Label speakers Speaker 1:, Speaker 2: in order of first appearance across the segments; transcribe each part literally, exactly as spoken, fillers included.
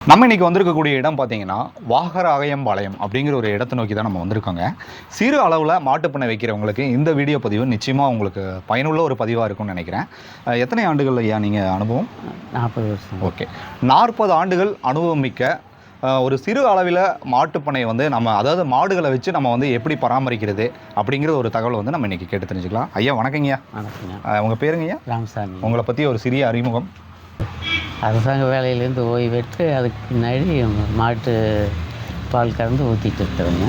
Speaker 1: நம்ம இன்னைக்கு வந்திருக்கக்கூடிய இடம் பார்த்தீங்கன்னா வாகராயம்பாளையம் அப்படிங்கிற ஒரு இடத்தை நோக்கி தான் நம்ம வந்திருக்கோங்க. சிறு அளவில் மாட்டுப்பண்ணை வைக்கிறவங்களுக்கு இந்த வீடியோ பதிவு நிச்சயமாக உங்களுக்கு பயனுள்ள ஒரு பதிவாக இருக்கும்னு நினைக்கிறேன். எத்தனை ஆண்டுகள் ஐயா நீங்கள் அனுபவம்?
Speaker 2: நாற்பது வருஷம்.
Speaker 1: ஓகே, நாற்பது ஆண்டுகள் அனுபவம் மிக்க ஒரு சிறு அளவில் மாட்டுப்பண்ணை வந்து நம்ம அதாவது மாடுகளை வச்சு நம்ம வந்து எப்படி பராமரிக்கிறது அப்படிங்கிற ஒரு தகவல் வந்து நம்ம இன்றைக்கி கேட்டு தெரிஞ்சுக்கலாம். ஐயா வணக்கங்கய்யா.
Speaker 2: வணக்கங்க.
Speaker 1: உங்கள் பேருங்க ஐயா?
Speaker 2: ராமசாமி.
Speaker 1: உங்களை பற்றி ஒரு சிறிய அறிமுகம்.
Speaker 2: அரசாங்க வேலையிலேருந்து ஓய்வு பெற்று அதுக்கு பின்னாடி மாட்டு பால் கறந்து ஊற்றிட்டு இருக்கிறேங்க.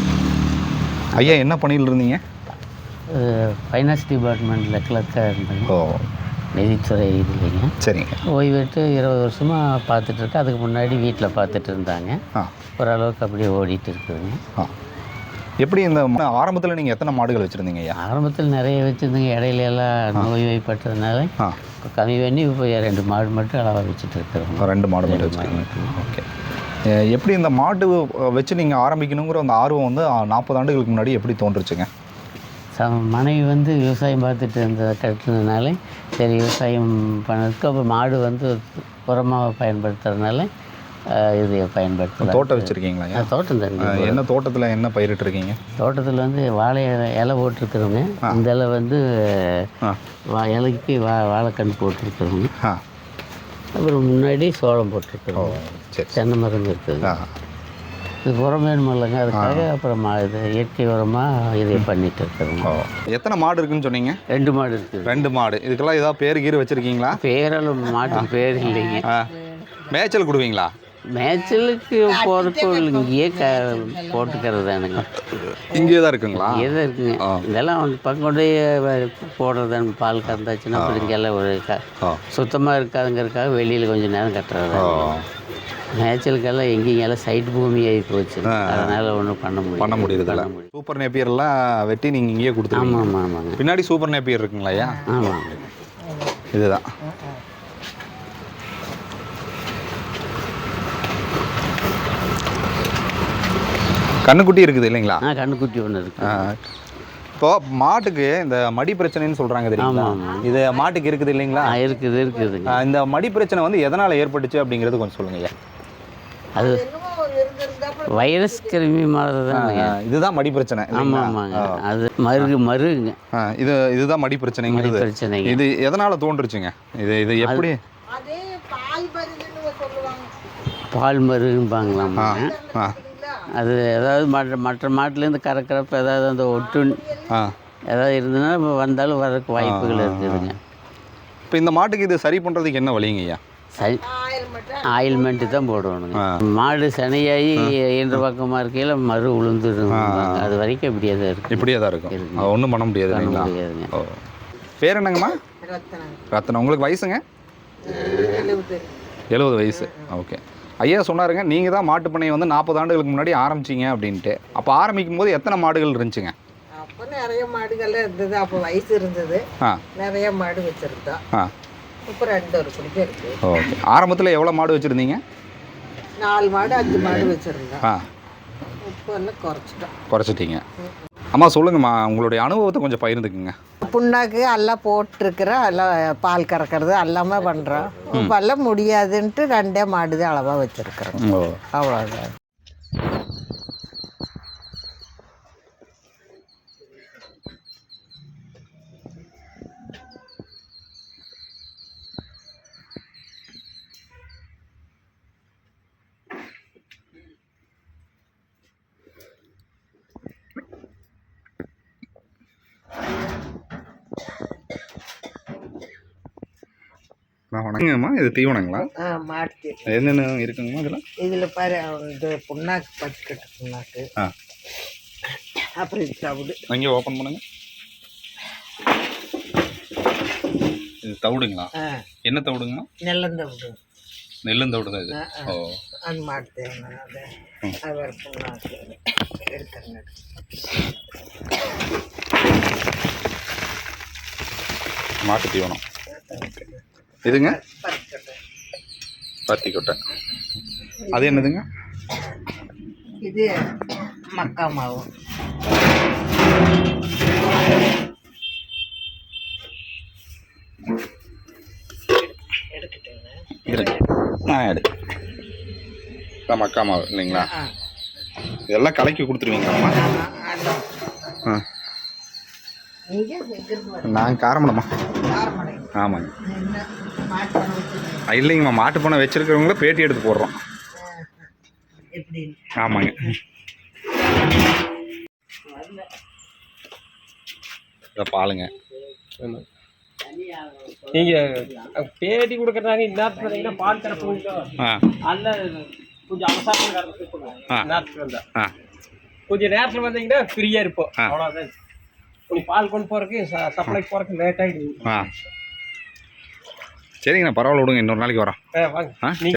Speaker 1: ஐயா என்ன பணியில் இருந்தீங்க?
Speaker 2: ஃபைனான்ஸ் டிபார்ட்மெண்ட்டில் கிளர்க்காக இருந்தேங்க.
Speaker 1: ஓ,
Speaker 2: நிதித்துறை இது இல்லைங்க.
Speaker 1: சரிங்க.
Speaker 2: ஓய்வு பெற்று இருபது வருஷமாக பார்த்துட்ருக்கேன். அதுக்கு முன்னாடி வீட்டில் பார்த்துட்டு இருந்தாங்க. ஓரளவுக்கு அப்படியே ஓடிட்டு இருக்குதுங்க.
Speaker 1: எப்படி இந்த ஆரம்பத்தில் நீங்கள் எத்தனை மாடுகள் வச்சுருந்தீங்க ஐயா?
Speaker 2: ஆரம்பத்தில் நிறைய வச்சுருந்தீங்க. இடையில எல்லாம் நோய்வாய்ப்பட்டதுனால கம்மி பண்ணி இப்போ ரெண்டு மாடு மட்டும் அளவாக வச்சுட்டு இருக்கிறோம்.
Speaker 1: ரெண்டு மாடு மட்டும் வச்சுருக்கீங்க. ஓகே, எப்படி இந்த மாடு வச்சு நீங்கள் ஆரம்பிக்கணுங்கிற அந்த ஆர்வம் வந்து நாற்பது ஆண்டுகளுக்கு முன்னாடி எப்படி தோன்றுச்சுங்க?
Speaker 2: ச மனைவி வந்து விவசாயம் பார்த்துட்டு இருந்த கட்டுனதுனால சரி விவசாயம் பண்ணதுக்கு அப்புறம் மாடு வந்து உரமாக பயன்படுத்துறதுனால இது பயன்படுத்த.
Speaker 1: தோட்டம் வச்சுருக்கீங்களா?
Speaker 2: தோட்டம் தான்.
Speaker 1: என்ன தோட்டத்தில் என்ன பயிரிட்டுருக்கீங்க?
Speaker 2: தோட்டத்தில் வந்து வாழை இலை போட்டிருக்கிறோங்க. இந்த இலை வந்து வா இலைக்கு வா வாழைக்கன்று போட்டிருக்கிறோங்க. அப்புறம் முன்னாடி சோளம் போட்டிருக்கிறோம்.
Speaker 1: சரி,
Speaker 2: தென்னை மரம் இருக்குது. இது உரம் வேணும் இல்லைங்க, அதுக்காக அப்புறம் இது இயற்கை உரமாக இதை பண்ணிட்டு இருக்கிறோங்க.
Speaker 1: எத்தனை மாடு இருக்குன்னு சொன்னீங்க?
Speaker 2: ரெண்டு மாடு இருக்குது.
Speaker 1: ரெண்டு மாடு. இதுக்கெல்லாம் ஏதாவது பேர் கீர் வச்சுருக்கீங்களா?
Speaker 2: பேரெல்லாம் மாட்டுக்கு பேர் இல்லைங்க.
Speaker 1: மேய்ச்சல் கொடுவீங்களா?
Speaker 2: மேய்ச்சலுக்கு போகிறதுக்கு இங்கேயே க போட்டுக்கிறது தானுங்க.
Speaker 1: இங்கே தான் இருக்குங்களா?
Speaker 2: இங்கே தான் இருக்குங்க. இதெல்லாம் வந்து பங்கொண்டே போடுறது பால் கறந்தாச்சுன்னா அப்புறம் இங்கெல்லாம் ஒரு க சுத்தமாக இருக்காதுங்கிறதுக்காக வெளியில் கொஞ்சம் நேரம் கட்டுறது. மேய்ச்சலுக்கெல்லாம் எங்கேயெல்லாம் சைட் பூமி ஆகி போச்சு. அதனால் ஒன்றும் பண்ண முடியும்
Speaker 1: பண்ண முடியுதுல்ல. சூப்பர் நேப்பியர்லாம் வெட்டி நீங்கள் இங்கேயே கொடுத்துருங்க.
Speaker 2: ஆமாம் ஆமாங்க.
Speaker 1: பின்னாடி சூப்பர் நேப்பியர் இருக்குங்களா ஐயா?
Speaker 2: ஆமாம்,
Speaker 1: இதுதான். கண்ணுக்குட்டி இருக்குது இல்லைங்களா?
Speaker 2: ஆ, கண்ணுக்குட்டி ஒன்று இருக்குது.
Speaker 1: இப்போ மாட்டுக்கு இந்த மடி பிரச்சனைன்னு சொல்கிறாங்க தெரியுங்களா? இது மாட்டுக்கு இருக்குது இல்லைங்களா?
Speaker 2: இருக்குது இருக்குதுங்க.
Speaker 1: இந்த மடி பிரச்சனை வந்து எதனால் ஏற்பட்டுச்சு அப்படிங்கிறது கொஞ்சம் சொல்லுங்க ஐயா.
Speaker 2: அது வைரஸ் கிருமி மாதிரி தான்.
Speaker 1: இதுதான் மடி பிரச்சனை.
Speaker 2: ஆமாம் ஆமாங்க. அது மருகு மருகுங்க.
Speaker 1: இது இதுதான் மடி பிரச்சனைங்கிறது.
Speaker 2: பிரச்சனை
Speaker 1: இது எதனால் தோன்றுச்சுங்க? இது இது எப்படி?
Speaker 2: பால் மருகும்பாங்களாமா. அது ஏதாவது மற்ற மற்ற மாட்டிலேருந்து கறக்கிறப்ப ஏதாவது அந்த ஒட்டு ஏதாவது இருந்ததுன்னா இப்போ வந்தாலும் வரக்கு வாய்ப்புகள் இருக்குதுங்க.
Speaker 1: இப்போ இந்த மாட்டுக்கு இது சரி பண்ணுறதுக்கு என்ன வழிங்க ஐயா?
Speaker 2: சரி, ஆயில்மெண்ட்டு தான் போடணுங்க. மாடு சனையாகி என்ற பக்கமாக இருக்கையில் மறு உளுந்துடும். அது வரைக்கும் இப்படியே தான் இருக்கும். இப்படியே தான் இருக்கும்.
Speaker 1: ஒன்றும் பண்ண முடியாது இல்லைங்களா?
Speaker 2: முடியாதுங்க.
Speaker 1: ஓ, பேர் என்னங்கம்மா? ரத்னம். உங்களுக்கு வயசுங்க? எழுபது வயசு. ஓகே. ஐயா சொன்னாருங்க, நீங்கள் தான் மாட்டு பண்ணையை வந்து நாற்பது ஆண்டுகளுக்கு முன்னாடி ஆரம்பிச்சிங்க அப்படின்ட்டு. அப்போ ஆரம்பிக்கும் போது எத்தனை மாடுகள் இருந்துச்சுங்க?
Speaker 3: அப்போ நிறைய மாடுகள்லாம் இருந்தது. அப்போ வயசு இருந்தது. ஆ, நிறைய மாடு வச்சுருந்தோம். ஆ, இப்போ ரெண்டு ஒரு குடிக்க இருக்குது.
Speaker 1: ஓகே. ஆரம்பத்தில் எவ்வளோ மாடு வச்சுருந்தீங்க?
Speaker 3: நாலு மாடு அஞ்சு மாடு வச்சுருந்தோம்.
Speaker 1: ஆ,
Speaker 3: இப்போ எல்லாம் குறைச்சிட்டோம்.
Speaker 1: குறைச்சிட்டிங்க. அம்மா சொல்லுங்கம்மா, உங்களுடைய அனுபவத்தை கொஞ்சம் பகிர்ந்துக்குங்க.
Speaker 3: புண்ணாக்கு எல்லாம் போட்டிருக்கிறோம். எல்லாம் பால் கறக்கிறது எல்லாமே பண்ணுறோம். இப்போ எல்லாம் முடியாதுன்ட்டு ரெண்டே மாடு தான் அளவாக வச்சுருக்குறோம். அவ்வளோதான்.
Speaker 1: வணக்கங்கம்மா, இது தீவனங்களா?
Speaker 3: ஆ, மாட்டு
Speaker 1: என்னென்ன இருக்குங்கம்மா இதெல்லாம்?
Speaker 3: இதில் பாரு, இது புண்ணாக்கு பட்டுக்கட்டு புண்ணாக்கு. ஆ, அப்புறம் இது தவிடு.
Speaker 1: அங்கே ஓப்பன் பண்ணுங்க. இது தவிடுங்களா? என்ன தவிடுங்கம்மா?
Speaker 3: நெல்லந்தவிடு.
Speaker 1: நெல்லந்தவிடு தான் இது. ஓ,
Speaker 3: அந்த மாட்டு தேவை. அது அது புண்ணாக்கு எடுத்துருங்க.
Speaker 1: மாட்டு தீவனம் இதுங்க. பருத்தி கொட்டை. அது என்னதுங்க?
Speaker 3: இது மக்கா மாவு.
Speaker 1: எடுத்துட்டேங்க. ஆ, எடு. இதான் மக்கா மாவு இல்லைங்களா? இதெல்லாம் கலக்கி கொடுத்துருவீங்களாம்மா? ஆ நான் காரமடம்மா. ஆமாங்க. இல்லைங்கம்மா, மாட்டு பண்ணை வச்சுருக்கிறவங்கள பேட்டி எடுத்து போடுறோம். ஆமாங்க. இதை பாலுங்க.
Speaker 4: நீங்க பேட்டி கொடுக்கறாங்க இந்நேரத்துக்கு பார்த்தீங்கன்னா பால் கறப்புங்க. அல்ல கொஞ்சம் அவசரமாக கறந்துருப்போங்க. நேரத்துக்கு வந்தா கொஞ்சம் நேரத்தில் வந்தீங்கன்னா ஃப்ரீயாக இருப்போம். அவ்வளோதான். கொஞ்சம் பால் கொண்டு போகிறதுக்கு சப்ளைக்கு போகிறதுக்கு லேட் ஆகிடுது.
Speaker 1: ஆ சரிங்கண்ணா, பரவாயில்ல விடுங்க, இன்னொரு நாளைக்கு வரோம்.
Speaker 4: ஆ வாங்க.